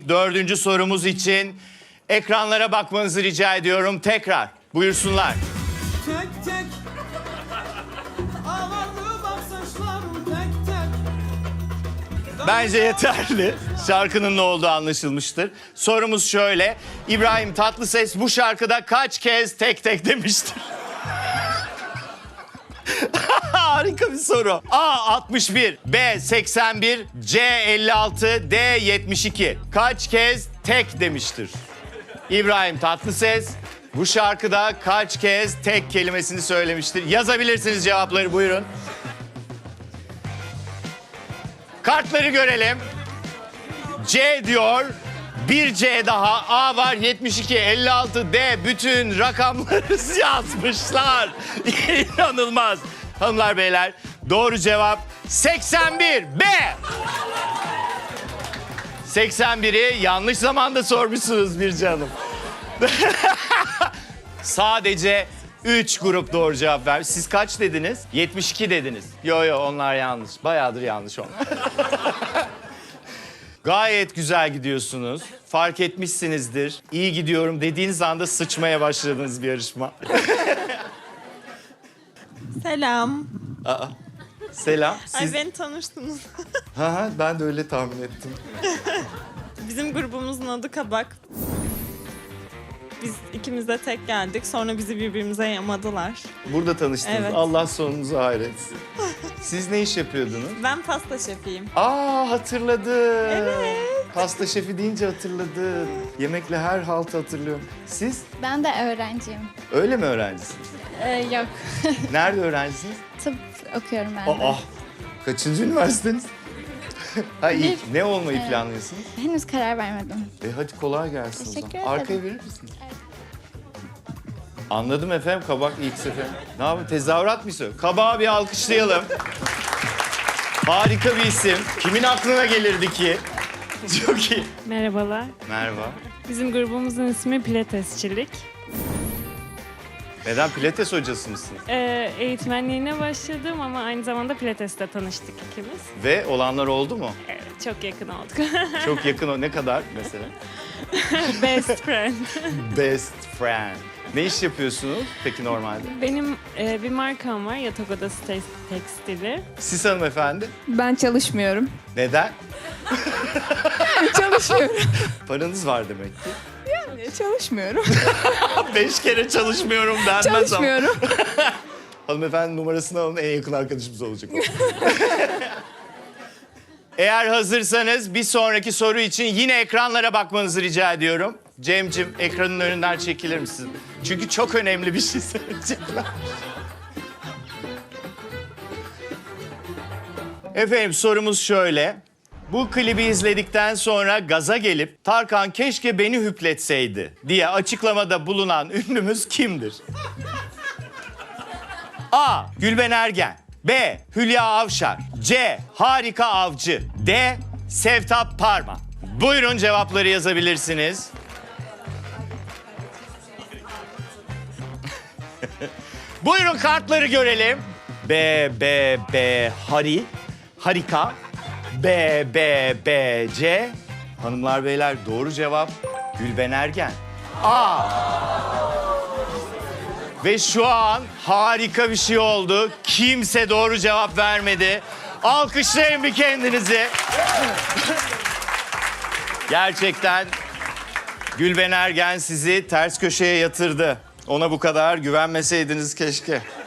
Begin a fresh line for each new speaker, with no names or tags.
Dördüncü sorumuz için ekranlara bakmanızı rica ediyorum tekrar. Buyursunlar.
Tek tek ağlardı bak saçlarım tek tek.
Bence yeterli. Şarkının ne olduğu anlaşılmıştır. Sorumuz şöyle. İbrahim Tatlıses bu şarkıda kaç kez tek tek demiştir? Harika bir soru. A 61, B 81, C 56, D 72. Kaç kez tek demiştir? İbrahim Tatlıses bu şarkıda kaç kez tek kelimesini söylemiştir? Yazabilirsiniz cevapları, buyurun. Kartları görelim. C diyor. Bir C daha. A var 72, 56, D. Bütün rakamları yazmışlar. İnanılmaz. Hanımlar beyler doğru cevap 81 B. 81'i yanlış zamanda sormuşsunuz bir canım. Sadece 3 grup doğru cevap vermiş. Siz kaç dediniz? 72 dediniz. Yo onlar yanlış. Bayağıdır yanlış onlar. Gayet güzel gidiyorsunuz. Fark etmişsinizdir. İyi gidiyorum dediğiniz anda sıçmaya başladığınız bir yarışma.
Selam.
Aa, selam.
Ay beni tanıştınız.
Ha, ben de öyle tahmin ettim.
Bizim grubumuzun adı Kabak. Biz ikimiz de tek geldik. Sonra bizi birbirimize yamadılar.
Burada tanıştınız.
Evet.
Allah sonunuzu hayretsin. Siz ne iş yapıyordunuz?
Ben pasta şefiyim.
Aa, hatırladım.
Evet.
Pasta şefi deyince hatırladım. Yemekle her haltı hatırlıyorum. Siz
Ben de öğrenciyim.
öyle mi öğrencisiniz?
Yok.
Nerede öğrencisiniz?
Tıp okuyorum ben de.
Aa, kaçıncı üniversiteniz? Ha iyi.
Bir.
Ne olmayı
Evet.
planlıyorsunuz?
Henüz karar vermedim.
Hadi kolay gelsin o
Teşekkür
zaman.
ederim.
Arkaya verir misiniz? Anladım efendim. Kabak ilk sefer. Ne yapayım? Tezahürat mı istiyor? Kabağı bir alkışlayalım. Harika bir isim. Kimin aklına gelirdi ki? Çok iyi.
Merhabalar.
Merhaba.
Bizim grubumuzun ismi Pilatesçilik.
Neden pilates hocası mısınız?
Eğitmenliğine başladım ama aynı zamanda Pilates'te tanıştık ikimiz.
Ve olanlar oldu mu?
Evet, çok yakın olduk.
Çok yakın o. Ne kadar mesela?
Best friend.
Best friend. Ne iş yapıyorsunuz peki normalde?
Benim bir markam var, Yatak Odası Tekstili.
Siz hanımefendi?
Ben çalışmıyorum.
Neden?
Çalışmıyorum.
Paranız var demek ki.
Çalışmıyorum.
5 kere çalışmıyorum denmez ama.
Çalışmıyorum.
Hanımefendi numarasını alın, en yakın arkadaşımız olacak o. Eğer hazırsanız bir sonraki soru için yine ekranlara bakmanızı rica ediyorum. Cem'cim ekranın önünden çekilir misin? Çünkü çok önemli bir şey söyleyecekler. Efendim sorumuz şöyle. Bu klibi izledikten sonra gaza gelip Tarkan keşke beni hüpletseydi diye açıklamada bulunan ünlümüz kimdir? A. Gülben Ergen, B. Hülya Avşar, C. Harika Avcı, D. Sevtap Parma. Buyurun cevapları yazabilirsiniz. Buyurun kartları görelim. B, Harika, B, Hanımlar beyler doğru cevap Gülben Ergen. A. Ve şu an harika bir şey oldu. Kimse doğru cevap vermedi. Alkışlayın bir kendinizi. Gerçekten Gülben Ergen sizi ters köşeye yatırdı. Ona bu kadar güvenmeseydiniz keşke.